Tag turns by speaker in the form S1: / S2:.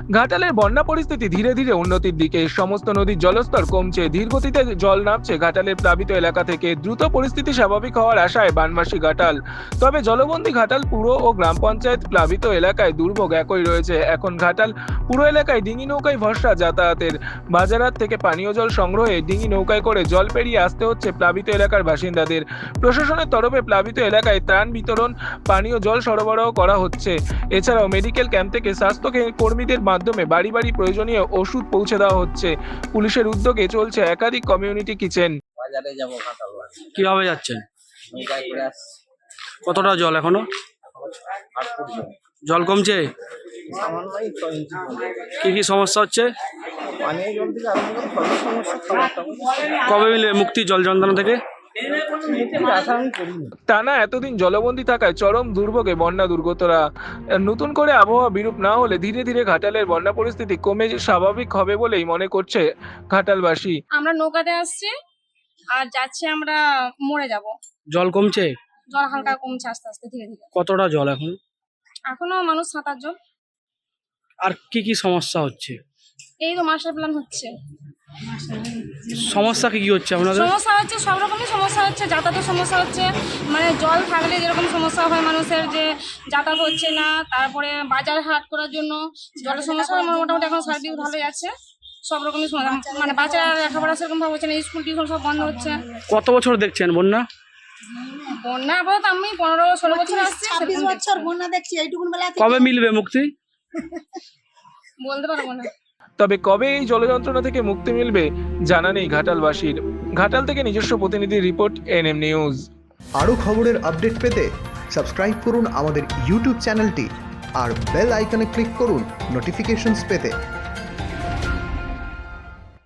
S1: ঘাটালের বন্যা পরিস্থিতি ধীরে ধীরে উন্নতির দিকে। সমস্ত নদীর জলস্তর কমছে, ধীরগতিতে জল নামছে ঘাটালের প্লাবিত এলাকা থেকে। দ্রুত পরিস্থিতি স্বাভাবিক হওয়ার আশায় বানবাসী ঘাটাল। তবে জলবন্দী ঘাটাল পুর ও গ্রাম পঞ্চায়েত প্লাবিত এলাকায় দুর্ভোগ একই রয়েছে। এখন ঘাটাল পুরো এলাকায় ডিঙি নৌকায় ভরসা যাতায়াতের। বাজারহাট থেকে পানীয় জল সংগ্রহে ডিঙি নৌকায় করে জল পেরিয়ে আসতে হচ্ছে প্লাবিত এলাকার বাসিন্দাদের। প্রশাসনের তরফে প্লাবিত এলাকায় ত্রাণ বিতরণ, পানীয় জল সরবরাহ করা হচ্ছে। এছাড়াও মেডিকেল ক্যাম্প থেকে স্বাস্থ্য কর্মীদের মাধ্যমে বাড়ি বাড়ি প্রয়োজনীয় ওষুধ পৌঁছে দেওয়া হচ্ছে। পুলিশের উদ্যোগে চলছে একাধিক কমিউনিটি কিচেন।
S2: বাজারে যাবো ঘাটাল
S3: কিভাবে যাচ্ছেন?
S2: নৌকায় করে আসছি।
S3: কতটা জল এখনো?
S2: 8 ফুট জল।
S3: জল কমছে?
S2: সামান্যই 6 ইঞ্চি জল।
S3: কি কি সমস্যা হচ্ছে?
S2: পানীয় জল থেকে আরম্ভ করে সব সমস্যা, খাবার
S3: কবে মিলে মুক্তি জল যন্ত্রণা থেকে?
S2: মুক্তির আশা আমি করিনি।
S1: টানা এতদিন জলবন্দী থাকায় চরম দুর্ভোগে বন্যা দুর্গতরা। নতুন করে আবহাওয়া বিরূপ না হলে ধীরে ধীরে ঘাটালের বন্যা পরিস্থিতি কমে স্বাভাবিক হবে বলেই মনে করছে ঘাটালবাসী।
S4: আমরা নৌকাতে আসছি আর যাচ্ছি আমরা মরে যাব।
S3: জল কমছে?
S4: জল হালকা কমছে আস্তে আস্তে ধীরে ধীরে।
S3: কতটা জল এখন?
S4: এখনো মানুষ সাঁতার জল।
S3: আর কি কি সমস্যা হচ্ছে?
S4: এই তো মাস্টার প্ল্যান হচ্ছে।
S3: সমস্যা কি কি হচ্ছে আপনাদের?
S4: সমস্যা হচ্ছে সব রকমই সমস্যা হচ্ছে, যাতায়াতের সমস্যা হচ্ছে। মানে জল থাকলে যেরকম সমস্যা হয় মানুষের, যে যাতায়াত হচ্ছে না, তারপরে বাজার হাট করার জন্য জলের সমস্যা মোটামুটি এখন সার্ভিস ভালোই আছে। সব রকমই সমস্যা, মানে বাচ্চারা লেখাপড়া সেরকম ভাবে হচ্ছে না, স্কুল টিউশন সব বন্ধ হচ্ছে।
S3: কত বছর দেখছেন বন্যা?
S4: বন্যা আপাতত আমি 15-16 বছর আসছি।
S5: 26 বছর বন্যা দেখছি এইটুকুন বেলা থেকে।
S3: কবে মিলবে মুক্তি?
S4: বলতে পারবো না।
S1: তবে কবে এই জলযন্ত্রণা থেকে মুক্তি মিলবে জানা নেই ঘাটালবাসীর। ঘাটাল থেকে নিজস্ব প্রতিনিধির রিপোর্ট, এনএম নিউজ।
S6: আরও খবরের আপডেট পেতে সাবস্ক্রাইব করুন আমাদের ইউটিউব চ্যানেলটি আর বেল আইকনে ক্লিক করুন নোটিফিকেশনস পেতে।